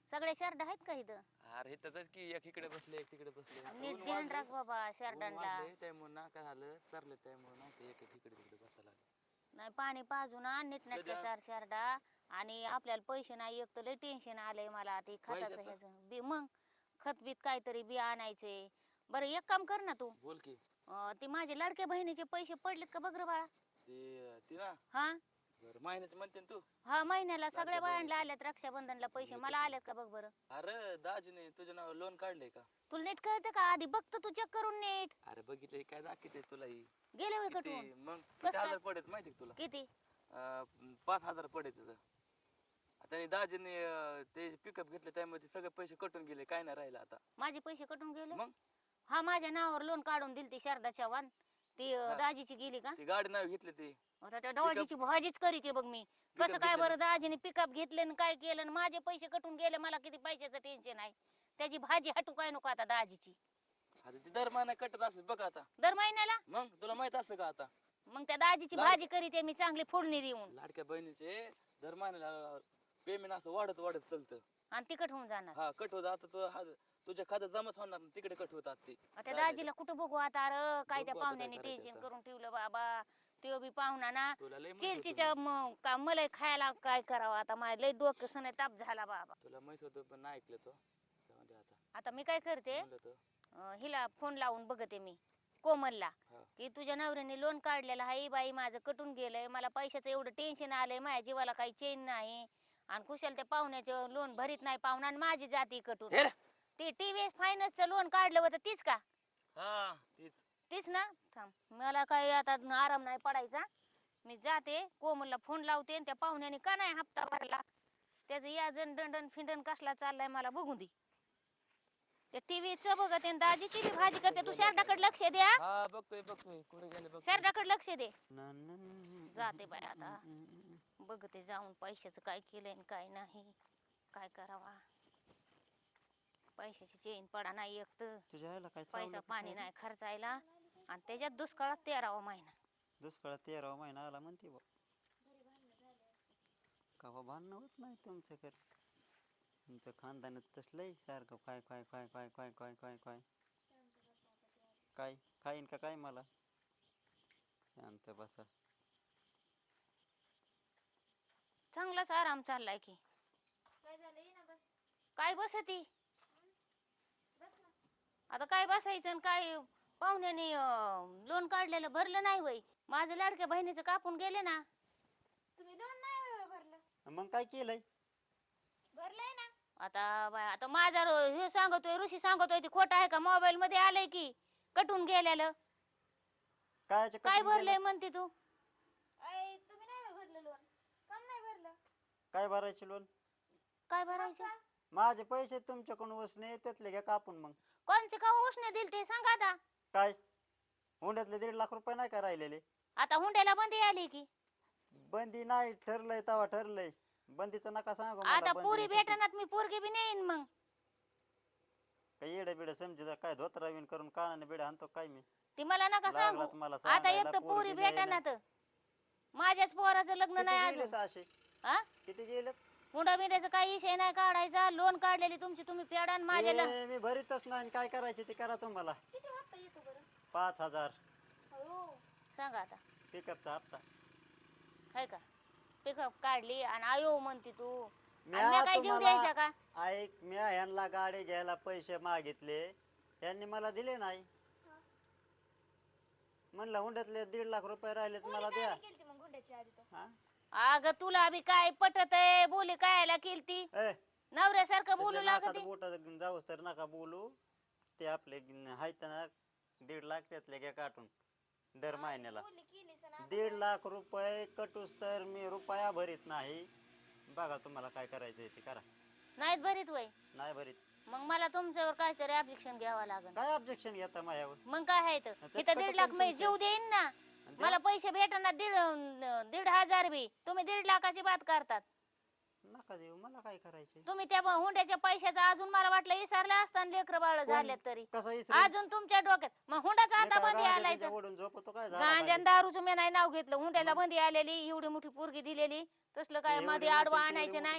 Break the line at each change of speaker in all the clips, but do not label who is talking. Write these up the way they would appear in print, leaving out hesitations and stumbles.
सगळे शर्ट आहेत का इथं?
अरे इथंच की एक इकडे बसले एक तिकडे बसले
नीट
ऊन
ध्यान
वाढलंय,
राख बाबा
ऊन
शर्टांना.
वाढलंय त्यामुळे ना काय झालं तरले त्यामुळे ना ते एक एक इकडे तिकडे बसायला लागले.
नाही पाणी पाजून आण नीटनाटक्या
कधी
चार शर्टा. आणि आपल्याला पैसे नाही, एक तर लय टेन्शन आलंय मला ते खताचं
पैशाचं?
ह्याचं बी. मग खत बीत काहीतरी बी आणायचे. बरं एक काम कर ना तू,
बोल की.
ते माझे लाडक्या बहिणीचे पैसे पडलेत का बघ रे बाळा.
ती ना
हा
बरं महिन्याचं म्हणते ना तू.
हा महिन्याला सगळ्या
लाडक्या
बायांना
बहिणीचे.
आल्यात रक्षाबंधनला पैसे,
येतात
मला
ना.
आल्यात का बघ बरं.
अरे दाजीने तुझ्या नावावर लोन काढलंय का?
तुला नीट कळतं का? आधी बघतो तू चेक करून नीट.
अरे बघितलं काय दाखवते तुला ही.
गेले होय
किती
कटवून?
मग
कसं
किती
काय?
हजार पडेल माहिती का तुला?
किती?
5,000 पडेल तुझं. त्यांनी दाजीने ते पिकअप घेतले त्यामध्ये सगळे पैसे कटून गेले, काय नाही राहिलं आता.
माझे पैसे कटून गेले?
मग
हा माझ्या नावावर लोन काढून दिली ती शारदा चव्हाण. ती
हा.
दाजीची गेली का?
ती गाडी नाव घेतली ती.
आता त्या दाजीची भाजीच करीते बघ मी. कसं काय
घेतलं
बरं दाजीने पिकअप घेतले आणि काय केलं आणि माझे पैसे कटून गेले, मला किती पैशाचं टेन्शन आहे. त्याची भाजी हटू काय नको आता दाजीची.
आता ती दर महिना कटत असेल बघ आता.
दर महिन्याला
मग तुला माहित असं का आता
मग त्या दाजीची भाजी करीते मी चांगली फोडणी देऊन.
लाडक्या बहिणीचे दर महिन्याला पेमेंट असं वाढत वाढत चालतं.
आणि तिकट होऊन जाणार.
हा कट होत आता तुझ्या खात्यात जमाच होणार नाही, तिकडे कट होतात ते.
त्या दाजीला कुठं बघू आता. अरे काय त्या
बघू आता काय
पाहुण्याने
करायचं
टेन्शन
आता.
करून ठेवलं बाबा. तो बी पाहुणा ना
तुला लय माहित होतं
चिलचीच्या का मलाई खायला काय करावं आता. माझ्या लय डोकं सण ताप झाला बाबा.
तुला माहित होतं पण नाही ऐकलं तो. जाऊ दे आता.
आता मी काय करते,
म्हणलं तर
हिला फोन लावून बघते मी कोमलला,
हा.
की तुझ्या नवऱ्याने लोन काढलेलं आहे बाई, माझं कटून गेलंय, मला पैशाचं एवढं टेन्शन आलंय, माझ्या जीवाला काही चेन नाही. आणि कुशल त्या पाहुण्याचं लोन भरीत नाही पाहुणा आणि माझी जाती कटून.
हे रे.
ते TVS फायनान्सचं लोन काढलं होतं तीच का?
हा तीच.
तीच ना. थांब मला काय आता आराम नाही पडायचा. मी जाते कोमलला फोन लावते आणि त्या पाहुण्याने का नाही हप्ता भरला त्याचं याजन दंडन फिंडन कसला चाललाय मला बघून दे. त्या टीव्हीचं बघत आहे दाजीची बी भाजी करते. तू शारदाकडे लक्ष द्या.
हा बघतोय बघतोय कुठे गेले बघ.
शारदाकडे लक्ष दे. जाते बाय आता बघते जाऊन पैशाचं काय केलंय आणि काय नाही. काय करावा, पैशाची चेन पडा नाही एक तर.
तुझ्या आईला काय
पैसा पाणी नाही खर्चायला आणि त्याच्यात दुष्काळात 13वा महिना.
दुष्काळात 13वा महिना आला म्हणते बा. कवा भांडणं होत नाही तुमच्याकडे. तुमचं खानदानच तसलंय सारखं काय काय काय काय काय काय काय काय काय खाईन का काय मला. शांत बसा.
चांगलाच आराम चाललाय की.
काय झालं ये ना बस.
काय बसती
बस ना.
आता, काय बसायचं आणि काय. पाहुण्याने लोन काढलेलं भरलं नाही वय. माझं लाडक्या बहिणीचं कापून गेले ना.
तुम्ही दोन नाही होय भरलं.
मग काय केलंय.
भरलंय ना.
आता बाय आता माझा हे सांगतोय ऋषी सांगतोय ते खोटं आहे का? मोबाईल मध्ये आलंय की कटून गेलेलं. काय भरलंय म्हणते तू?
अय तुम्ही नाही होय भरलं लोन. कम नाही भरलं.
काय भरायचे लोन.
काय भरायचं?
माझे पैसे तुमच्याकडून उसने त्यातले घ्या कापून. मग
कोणचे का उष्ण दिल ते सांगा आता.
काय हुंड्यातले 1.5 लाख रुपये नाही का राहिलेले.
आता हुंड्याला बंदी आली की.
बंदी नाही ठरलंय तवा ठरलंय. बंदीचं नका सांगू मला.
आता
बंदी
पुरी
नसेल.
भेटणार मी पोरगी बी नेईन मग.
काय येडं बिडं समजा काय धोत्रावीन करून कानाने बिडा आणतो काय मी.
ती मला नका
लागला
सांगू.
तुम्हाला
आता एक
सांगायला,
तर पुरी
पोरगी नाही
भेटणार. माझ्याच पोराचं लग्न नाही
किती
अजून.
गेलेत असे.
हा
किती गेलेत.
हुंडा बिंड्याचा काही विषय नाही काढायचा. लोन काढलेली तुमची तुम्ही फेडा आणि माझ्याला.
मी भरीतच नाही. काय करायचे ते करा तुम्हाला.
किती हप्ता येतो बरं.
5,000
हो.
सांगा आता.
पिकअपचा हप्ता.
काय का पिकअप काढली आणि आयो म्हणते तू.
म्या
आणि म्या काय जीव द्यायचा का?
ऐक म्या ह्यांना गाडी घ्यायला पैसे मागितले. यांनी मला दिले नाही. म्हणलं हुंड्यातले 1.5 लाख रुपये राहिलेत मला द्या.
केलती मग गुंड्याची आधी तर.
हा?
अग तुला बी काय पटत आहे? बोली कायला केलती?
ए,
नवऱ्यासारखं बोलू लागत.
बोट जाऊस तर नका बोलू. ते आपले आहेत ना 1.5 लाख त्यातले घ्या काटून दर महिन्याला.
बोलली केली सना.
1.5 लाख रुपये कटूस तर मी रुपया भरीत नाही. बघा तुम्हाला काय करायचं ते करा.
नाहीत भरीत वय.
नाही भरीत.
मग मला तुमच्यावर काहीतरी ऑब्जेक्शन घ्यावं लागेल.
काय ऑब्जेक्शन घेता माझ्यावर.
मग काय आहे तर
त्याचं
इथं
कसं
1.5 लाख
पण
मी
तुमचं-
जीव देईन ना. मला पैसे भेटणार 1.5 बी. तुम्ही 1.5 लाखाची बात करतात.
नका देऊ. मला काय करायचे.
तुम्ही त्या हुंड्याच्या पैशाचा अजून मला वाटलं विसरला असताना लेकर बाळ झाले तरी.
कसं
अजून तुमच्या डोक्यात मग हुंडाचा आता बंदी आलाय तर.
ओढून झोपतो काय
गांजा दारूचं मी नाही नाव घेतलं. हुंड्याला बंदी आलेली एवढी मोठी पोरगी दिलेली. तसलं काय
एवढी
मध्ये
मोठी
आडवा
तेवढी
आणायचं
मोठी.
नाही.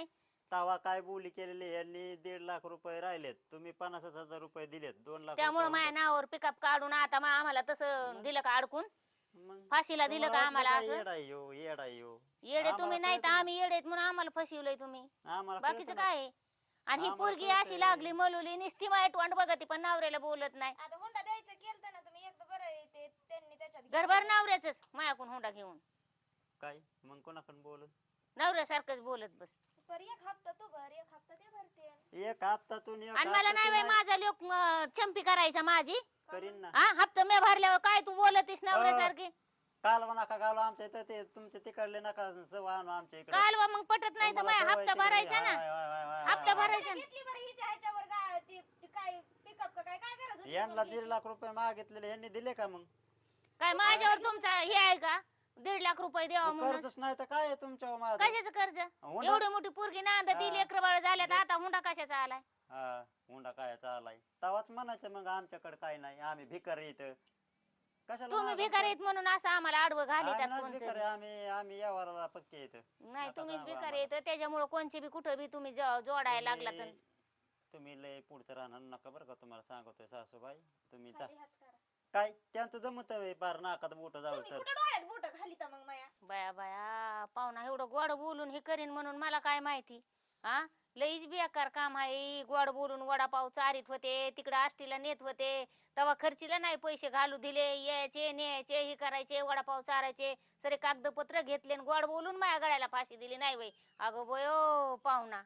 तवा काय बोली केलेली यांनी 1.5 लाख रुपये राहिलेत, तुम्ही 50,000 रुपये दिलेत, 2 लाख
त्यामुळे
रुपये
माझ्या नावावर पिकअप काढून आता आम्हाला तसं दिलं का अडकून
मग
फाशीला दिलं का
तुम्हाला
आम्हाला
वाटलं
असं?
काय येडा येऊ येडा येऊ
येडे तुम्ही
आम्हाला
नाही तर
कळतं
आम्ही येडेत म्हणून आम्हाला फसवलंय तुम्ही.
आम्हाला
बाकीचं
कळतं ना.
काय आहे? आणि ही
आम्हाला
पोरगी
कळतंय.
अशी लागली मलुली निस्ती वाईट वाट बघती पण नवऱ्याला बोलत नाही.
आता हुंडा द्यायचं केलं ना तुम्ही एकदा बरं आहे ते त्यांनी त्याच्यात
घरभर
घेतलं.
नवऱ्याच मायाकून हुंडा घेऊन
काय मग कोणाकडून बोलून
नवऱ्यासारखंच बोलत बस.
बरं एक हप्ता तू भर एक हप्ता ते भरते.
एक हप्तातून एक
आणि मला नाही बाई
हप्तातून
माझा लोक चंपी करायचा माझी.
करीन ना.
हा हप्ता मी भरल्यावर काय तू बोलतीस नवऱ्यासारखी?
कालवा नका घालू आमच्या इथं, ते तुमचे तिकडले नका सव आणू आमच्या इकडे.
कालवा मग पटत नाही तर
तुम्हाला
माझा
सवय
हप्ता
तिकडे.
भरायचा ना.
हाय, हाय, हाय, हाय,
हप्ता
हाय.
भरायचा ना.
घेतली बरं हिच्या ह्याच्यावर ती काय पिकअप का काय काय गरज होती
यांना
तुम्हाला
1.5 लाख रुपये मागितलेले यांनी दिले का मग?
काय माझ्यावर तुमचा हे आहे का 1.5 लाख रुपये द्यावा
मग
म्हणून?
कर्जच नाही तर काय आहे तुमच्यावर माझं?
कशाचं कर्ज?
हुंडा-
एवढी मोठी पोरगी नांद ती
हा.
लेकर बाळ झाल्यात आता हुंडा कशाचा आलाय?
हा हुंडा काय चालाय तवाच म्हणायचं मग आमच्याकडे काय नाही, आम्ही भिकारी इथं कशाला
तुम्ही
मागायचं?
भिकारी आहेत म्हणून असं आम्हाला आडवं
आम्ही
घालितात
नाहीच
कोणचं
भिकारी,
बी.
आम्ही आम्ही व्यवहाराला पक्के इथं.
नाही
नका
तुम्हीच
सांगू
भिकारी येत त्याच्यामुळे कोणचे बी कुठं बी तुम्ही जोडायला लागला तर
तुम्ही लय पुढचं राहणार नका बरं का, तुम्हाला सांगतोय सासूबाई. तुम्ही जा
खाली हात करा.
काय त्यांचं जमत पार नाकात बोट जाऊ
तुम्ही
तर.
कुठं डोळ्यात बोट घालीता मग माया?
बाया बाया पाहुणा एवढं गोड बोलून हे करीन म्हणून मला काय माहिती. हा लईच बेकार काम आहे. गोड बोलून वडापाव चारीत होते तिकडे आष्टीला नेत होते तेव्हा खर्चीला नाही पैसे घालू दिले, यायचे न्यायचे हे करायचे वडापाव चारायचे सरे कागदपत्र घेतले आणि गोड बोलून माझ्या गळ्याला फाशी दिली नाही बाई. अगं बयो पाहुणा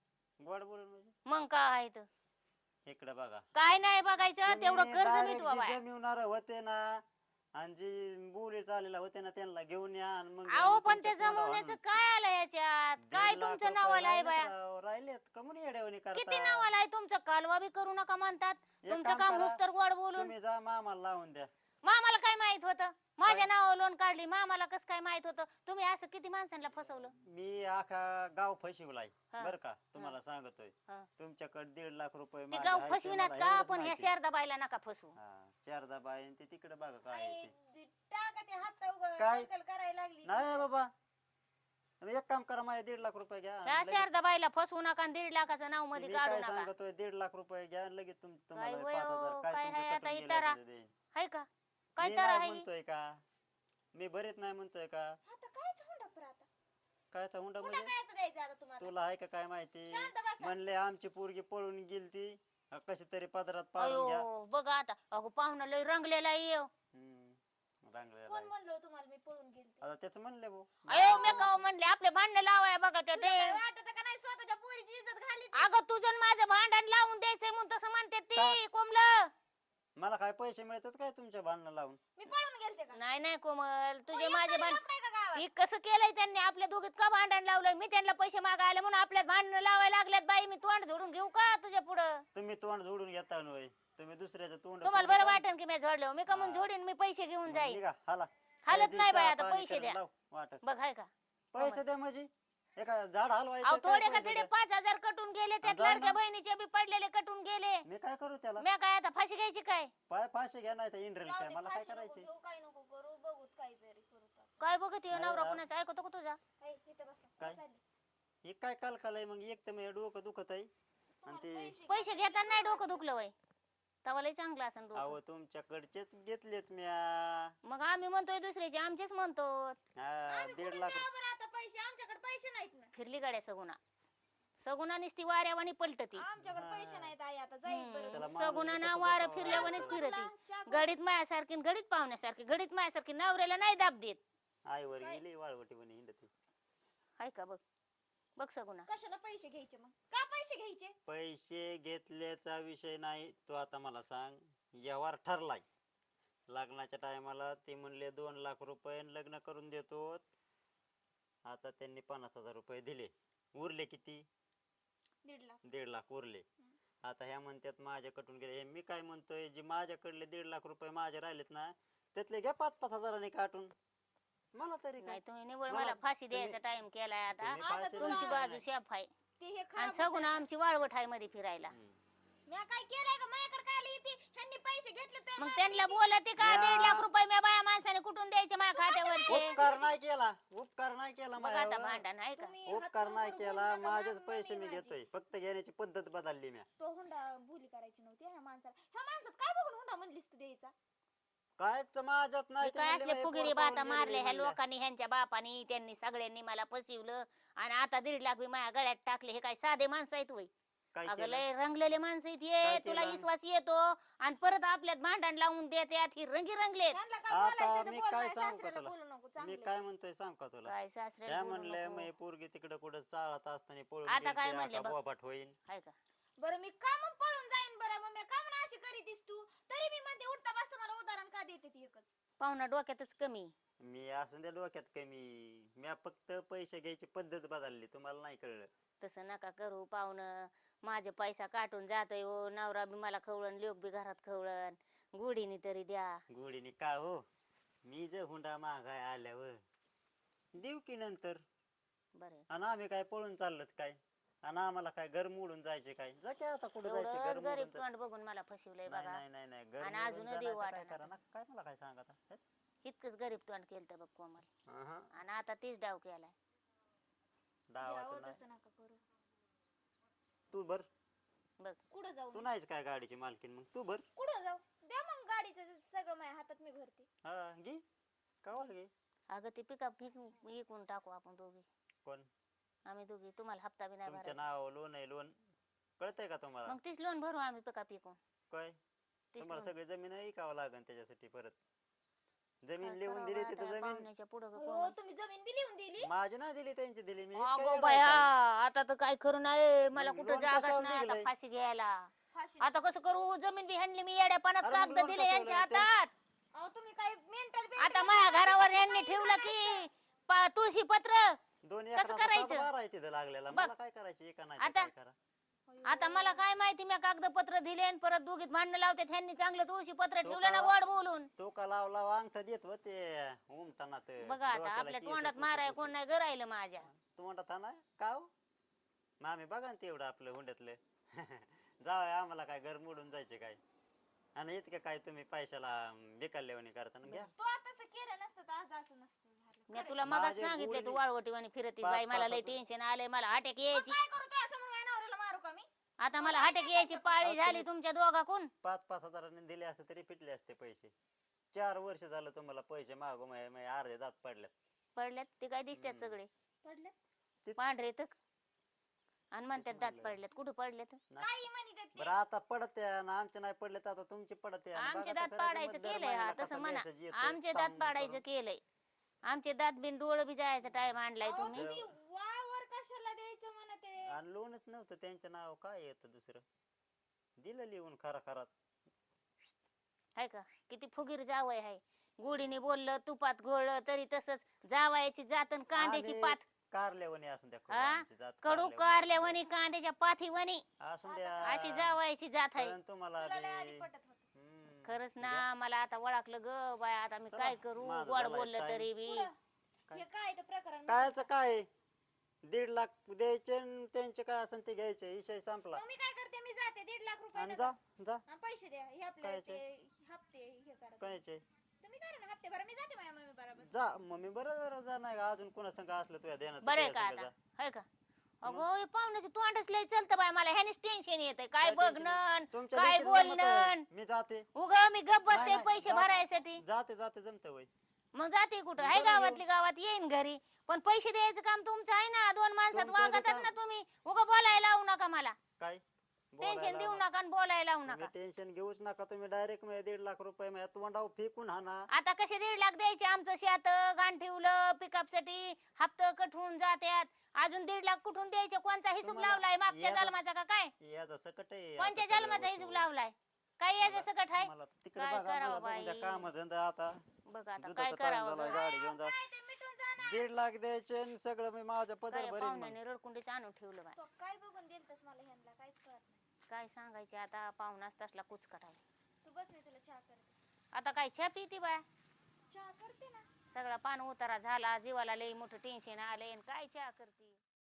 गोड बोलून म्हणजे
मग काय आहे तर?
इकडे बघा
काय नाही बघायचं तेवढं
तुम्ही
कर्ज
direct
मिटवा
जे
बाया.
जमिवणार होते ना आणि जी बोली चालेला होते ना त्यांना घेऊन या आणि मग
अहो पण
तुमच्या
ते
तोंडावर
जमवण्याचं
आणून.
काय आलं याच्यात?
1.5
काय
लाख
तुमचं
रुपये
नावाला आहे
राहिलेत
बाया?
राव, राहिलेत कमून येड्यावणी
किती
करता.
नावाला आहे तुमचं? कालवा बी करू नका म्हणतात
एक
तुमचं
काम
काम
करा,
हुस्तर गोड बोलून.
तुम्ही जा मामाला लावून द्या.
मामाला काय माहित होतं? माझ्या नावावर लोन काढली मामाला कसं काय माहित होतं? तुम्ही असं किती माणसांना फसवलं?
मी आखा गाव फसविलाय
हा.
बर का, तुम्हाला सांगतोय.
हा.
तुमच्याकडे 1.5 लाख रुपये
ते
माझे
गाव
आहेत ते
फसविनात
मला
का?
एवढंच
पण ह्या
माहिती.
शारदाबाईला नका फसवू.
हा, शारदाबाई आणि ते तिकडे बघा काय आहे
आई,
ते.
टाका ते हप्ता
काय?
कलकल करायला लागली.
नाही बाबा, तुम्ही एक काम करा, माझे 1.5 लाख रुपये घ्या आणि
ह्या
लगेच-
शारदाबाईला फसवू नका आणि 1.5 लाखाचं नाव मध्ये
मी
काढू
काय
नका.
सांगतोय 1.5 लाख रुपये घ्या आणि लगेच तुम्हाला
काय
5,000
वयो,
काय
काय
तुमचं
आहे आता
कटून
ही
गेलं
तारा?
ते देईन.
हाय का? काय
मी
तर
नाही
आहे?
म्हणतोय का, मी भरीत नाही म्हणतोय का,
आता कायच हुंडा पर आता?
कायचा हुंडा
हुंडा
म्हणजे
कायच द्यायचा आता तुम्हाला?
तुला आहे का काय माहिती?
शांत बसा.
म्हणले आमची पोरगी पळून गेलती, कशी तरी पदरात पाडून घ्या.
अयो बघा आता अगो पाहुणा लय रंगलेला आहे.
रांगलेला
कोण
आहे.
म्हणलं तुम्हाला मी पळून गेलते?
आता त्याच म्हणले भाऊ.
अयो मी का म्हणले आपले भांडण लावाय बघा ते.
तुला काय वाटतं का नाही स्वतःच्या पोरीची इज्जत घाली ती?
अगं तुझं आणि माझं भांडण लावून द्यायचंय म्हणून तसं म्हणते ती
का?
कोमल.
मला काय पैसे मिळतात काय तुमच्या भांडणं लावून?
मी पळून गेलते का?
नाही नाही कोमल तुझे
कोणी
माझे
एकट्याने
भांडण
लपलंय का गावात?
ती कसं केलंय त्यांनी आपल्या दोघीत का भांडण लावलंय? मी त्यांना पैसे मागायला म्हणून आपल्यात भांडण लावायला लागल्यात. बाई मी तोंड झोडून घेऊ का तुझ्या पुढं?
तुम्ही तोंड जोडून घेता नव्हे, तुम्ही दुसऱ्याचं तोंड
तुम्हाला
तोडता.
बरं वाटेल की मी झोडलो? मी कमून
हा.
झोडीन मी पैसे घेऊन
मग
जाईल.
निघा, हाला.
हालत
काही
नाही बाई
दिवसा
आता
पाणी
पैसे
करून
द्या.
लाव, वाटत.
बघ हाय का?
पैसे द्या म्हणजे एका झाड हलवायचं
अहो
काय
थोडे का
पैसे
तिडे
द्या?
5,000 कटून गेले त्यात
जा
लाडक्या
ना.
बहिणीचे बी पडलेले कटून गेले.
मी काय करू त्याला?
मी काय आता फाशी घ्यायची काय?
पाय फाशी घ्या नाही तर इंद्रेल
जाऊ
काय,
दे,
मला काय
फाशी नको
करायचे?
घेऊ, काय नको करू, बघूत काहीतरी करू आता.
काय बघत ये
नाही
नवरा
ना.
कुणाचा ऐकतो का तुझा?
हाय, इथं बसा.
काय?
चालली.
हे काय काल आहे मग, एक तर माझं डोकं दुखत आहे आणि
तुम्हाला
ते
पैसे घेताना नाही डोकं दुखलं वय तवा लय चांगलं असं डोकं.
अहो तुमच्याकडचेच घेतलेत म्या.
मग आम्ही म्हणतोय दुसऱ्याचे आमचेच म्हणतो.
हा,
आम्ही
1.5
कुठून
लाख
द्यावं बरं आता पैसे? आमच्याकडे पैसे नाहीत ना.
फिरली गाड्या सगुना सगुना नुसती वाऱ्यावानी पलटती.
आमच्याकडे
हा.
पैसे नाहीत आई, आता जाईल बरं.
त्याला माणूस
सगुना
बी
ना
कसं
वारं
बोलावं
फिरल्यावानीच
लागतं.
फिरती.
चहा करू.
गडीत मायासारखी न गडीत पाहुण्यासारखी गडीत मायासारखी नवऱ्याला नाही दाब देत.
आईवर गेली वाळवटी म्हणे हिंडती.
हाय का? बघ बघ सगुना.
कशाला पैसे घ्यायचे मग? का पैसे घ्यायचे?
पैसे घेतल्याचा विषय नाही, तो आता मला सांग. व्यवहार ठरलाय लग्नाच्या टायमाला, ते म्हणले 2 लाख रुपये आणि लग्न करून देतो. आता त्यांनी 50,000 रुपये दिले, उरले किती?
1.5 लाख.
1.5 लाख उरले. आता ह्या म्हणतात माझ्या कटून गेले. हे मी काय म्हणतोय, जे माझ्याकडले 1.5 लाख रुपये माझे राहिलेत ना, त्यातले घ्या 5-5 हजारांनी काटून. मला तरी काय?
नाही तुम्ही निवड
मला-
मला फाशी द्यायचा
तुम्ही-
टाइम केलाय आता.
तुम्ही फाशी
तुमची
द्या.
बाजू शेफ आहे
ते हे
आणि
खराब
सगुना आमची वाळवट आहे मध्ये फिरायला.
हम्म.
मी काय केलंय का माझ्याकडे काय आली ती ह्यांनी पैसे घेतले तर
मग त्यांना बोलते का
या.
1.5 लाख रुपये मी बाया माणसाने कुठून द्यायचे माझ्या खात्यावरचे
उपकार नाही केला, उपकार नाही केला
बघ आता
माझ्यावर.
भांडण आहे का
तुम्ही हात
उपकार
वर
नाही
वर
केला,
बोलू नका,
माझेच
मम्मी
पैसे मी
माझी.
घेतोय, फक्त घेण्याची पद्धत बदलली मी.
तो हुंडा भुली करायची नव्हती ह्या माणसाला. ह्या माणसात काय बघून हुंडा म्हणलीस तू द्यायचा?
कायच माझ्यात नाही
हे
ते
काय
म्हणले
असले
बाई,
फुगिरी
पोर
बाता
पाहून
मारले
गेली
ह्या
म्हणल्या.
लोकांनी ह्यांच्या बापानी त्यांनी सगळ्यांनी मला फसवलं आणि आता 1.5 लाख बी माझ्या गळ्यात टाकले. हे काय साधे माणसं आहेत वय
काय
अगं
केलं?
लय रंगलेले माणसं आहेत
काय
हे तुला
केलं?
विश्वास येतो आणि परत आपल्यात भांडण लावून देतात ही रंगी रंगलेत.
ह्यांना काय
आता
बोलायचं तर
मी
बोल,
काय
माझ्या
सांगू का
सासऱ्याला
तुला?
बोलू नको
मी
चांगलं.
काय म्हणतोय सांग का तुला?
काय सासऱ्याला
त्या
बोलू
म्हणले
नको.
मी पोरगी तिकडे कुठं चाळत असताना पळून
आता
गेली,
काय
ते
म्हणले
आता
बघ?
बोभाट होईन.
हाय का
बरं मी का मग पळून जाईन बरं मग मी का म्हणून अशी करीतीस तू? तरी मी म्हणते उठता बसता मला उदाहरण का देते ती एकच?
पाहुणा डोक्यातच कमी
मी असून त्या डोक्यात कमी, मी फक्त पैसे घ्यायची पद्धत बदलली, तुम्हाला नाही कळलं.
तसं नका करू पाहुणं. माझे पैसा काटून जातोय हो नवरा बी मला खवळण लोक बी घरात खवळण गुढीने तरी द्या.
गोडीने का हो, मी जर हुंडा मागाय आल्यावर देऊ की नंतर.
बरं
आणि आम्ही काय पळून चाललोत काय? आणि आम्हाला काय घर मोडून जायचे काय? जा की आता कुठे जायचे, घर
एवढंच गरीब
मोडून
तोंड बघून मला फसवलंय
नाही
बघा.
नाही नाही नाही, घर
आणि
मोडून
अजूनही
जा,
देऊ
नाही तर काय
वाटेना
करा ना, काय मला काय सांगत आहे?
इतकंच गरीब तोंड केलं बघ कोमल
अहं,
आणि आता तीच डाव केलाय.
डावाचं
द्यावं
नाही.
तसं नका करू.
तू भर,
बघ
कुठं जाऊ
तू
मी?
नाहीच काय गाडीची मालकीन, मग तू भर.
कुठं जाऊ? द्या मग गाडीचं सगळं माझ्या हातात मी भरते.
हा घे, कवाल घे.
अगं ते पिकअप विकून टाकू आपण दोघी.
कोण?
आम्ही दोघी तुम्हाला हप्ता बी नाही
तुमच्या
भरायचा.
नावावर लोन आहे, लोन कळतंय का तुम्हाला?
मग तीच लोन भरू आम्ही पिकअप विकून.
काय
तीच
तुम्हाला
लोन
सगळी जमीन विकावं लागेल त्याच्यासाठी परत. जमीन
काय
लिहून
करावं
दिली
आता
तिथं
या
जमीन
पाहुण्याच्या पुढं ग
हो
कोमल.
तुम्ही जमीन बी लिहून दिली?
माझी नाही दिली, त्यांची दिली मी. इतकं
अगो
येडं
बया
आहे
आता तर काय करू नये मला
मग
कुठं
लोन
जागाच
कशावर
नाही आता
निघलंय?
फाशी घ्यायला.
फाशी
आता कसं करू जमीन बी हाणली मी येड्यापणात
अरे मग
कागद
लोन
दिले
कशावर
यांच्या
लागते?
हातात.
अहो तुम्ही काय मेंटल
आता माझ्या घरावर यांनी ठेवलं की तुळशी पत्र.
दोन
कसं
एकराचा
करायचं?
सातबारा आहे तिथं लागलेला,
बघ.
मला काय करायचं? एका नाही तर
आता-
काय करा.
आता मला काय माहिती मी कागदपत्र दिले आणि परत दोघीत भांडणं लावते ह्यांनी चांगलं तुळशी पत्र
तो
ठेवलं ना
का-
गोड बोलून.
तो का लावला अंगठा देत होते उमटणात.
बघा आता आपल्या तोंडात माराय कोण नाही गरायलं माझ्या.
तोंडात ना का हो? मग आम्ही बघा ना तेवढं आपलं हुंड्यातलं. जावं आम्हाला काय घर मोडून जायचे काय? आणि इतकं काय तुम्ही पैशाला बेकारलेवणी करता ना, घ्या.
तो तसं केलं नसतं तर आज असं नसतं झालं.
मी
खरंय.
तुला मगाच
माझे
सांगितले तू
गुढी-
वाळवटीवाणी फिरतीस
पाच-
बाई मला लय
पाच-
टेन्शन आलंय मला अटॅक
मग
यायची.
काय करू तो असं मग माझ्या नवऱ्याला मारू का मी?
आता मला अटॅक यायची पाळी
अहो,
झाली
तुम्ही-
तुमच्या दोघाकून.
5-5 हजारांनी दिले असते तरी फिटले असते पैसे. 4 वर्ष झालं तुम्हाला पैसे मागू अर्धे दात पडल्यात.
पडल्यात ते काय दिसतात
हम्म.
सगळे
पडलं?
तेच-
पांढरे तर आणि म्हणतात दात
म्हणलं.
पडल्यात कुठं पडल्यात.
ना-
काही म्हणतात ते.
बरं आता पडत आहे ना, आमचे नाही पडले तर आता तुमचे पडत आहे. आणि
आमचे
बघा
दात
तर खरं
पाडायचं
ते दर
केलंय हा
महिन्याला
तसं
कसं
म्हणा.
message येतोय,
आमचे दात
काम
पाडायचं
करून.
केलंय. आमचे दात बिन डोळं बी जायचा टाइम आणलाय
अहो,
तुम्ही.
तुम्ही वावर कशाला द्यायचं म्हणते?
आणि लोनच नव्हतं त्यांचं नाव, काय येतं दुसरं? दिलं लिहून खरा खरात.
हाय का किती फुगीर जावय हाय. गुढीने बोललं तुपात घोळलं तरी तसंच जावायची जातन कांद्याची
आणि
पात
कारल्यावानी असून द्या
हा?
आमची जात
कडू
कारल्यावानी
कारल्यावानी कांद्याच्या पाथीवानी
असून द्या.
अशी जावायची जात आहे.
कळन तुम्हाला
तुला लय आधी
बी.
पटत होतं.
हम्म.
खरंच
द्या.
ना मला आता ओळखलं ग बाय आता मी
चला,
काय करू
माझं
गोड
झालंय
बोललं
time.
तरी बी.
पुढं.
काय?
हे काय ते प्रकरण?
कायचं काय 1.5 लाख द्यायचे आणि त्यांचे काय असेल ते घ्यायचे, विषय संपला.
मग मी काय करते? मी जाते 1.5 लाख रुपये
आणि
नका.
जा
आणि पैसे द्या हे आपले
कायचे?
ते हप्ते हे करा तुम्ही.
कायचे
तुम्ही करा ना हप्ते भरा मी जाते माझ्या मम्मी बरोबर.
जा मम्मी बरोबर जा, नाही का अजून कोणा संग असलं तुझ्या ध्यानात
बरं आहे
तुझ्या
का
संग
आता
जा.
हाय का अगो हे पाहुण्याचे तोंडच लय चलतं बाय मला ह्यानेच टेन्शन येतंय काय
काय tension
बघणं
तुमच्या
काय
लेकीचं जमतं
बोलणं
होय. मी जाते
उग मी गप बसते
नाही,
पैसे
जा-
भरायसाठी.
जाते जमत वय.
मग जाते कुठं
मग
आहे
बरं
गावातली गावात येईन घरी पण पैसे द्यायचं काम तुमचं आहे ना. 2 माणसात
तुमचं
वागतात
काम-
ना तुम्ही उग बोलायला लावू नका मला.
काय
टेन्शन देऊ नका आणि बोलायला लावू नका.
टेन्शन घेऊच नका तुम्ही. डायरेक्ट 1.5 लाख रुपये माझ्या तोंडावर फेकून हाना.
आता कसे 1.5 लाख द्यायचे आमचं शेत गाण ठेवलं पिकअप साठी हप्ता कट होऊन जात्यात अजून 1.5 लाख कुठून द्यायचे कोणचा हिशोब
तुम्हाला
लावलाय मागच्या
याचं-
जन्माचा का काय
याचा सकट आहे
कोणत्या
आता सगळ्या
जन्माचा हिशोब
वस्तू.
लावलाय काय याचं सकट आहे.
मला तिकडे
काय
बघा
करावं
मला बघून द्या
बाई?
काम धंदा आता.
बघ आता
दुधाचा
काय
time
करावं
झालाय,
ग?
गाडी घेऊन जा.
काय ते मिटून जाणार?
1.5 लाख द्यायचे आणि सगळं मी माझ्या पदर
काय
भरीन मग.
पाहुण्याने रडकुंडीच आणून ठेवलं बाय.
तो काय बघून दिलतस मला ह्यांना काहीच कळत नाही.
काय सांगायचे आता पाहुणाच तसला कुचकट आहे.
तू बस मी तुला चहा करते.
आता काय छा पिती बाय
चहा करते ना.
सगळा पान उतारा झाला जीवाला लई मोठं टेन्शन आलंय आणि काय चहा करते.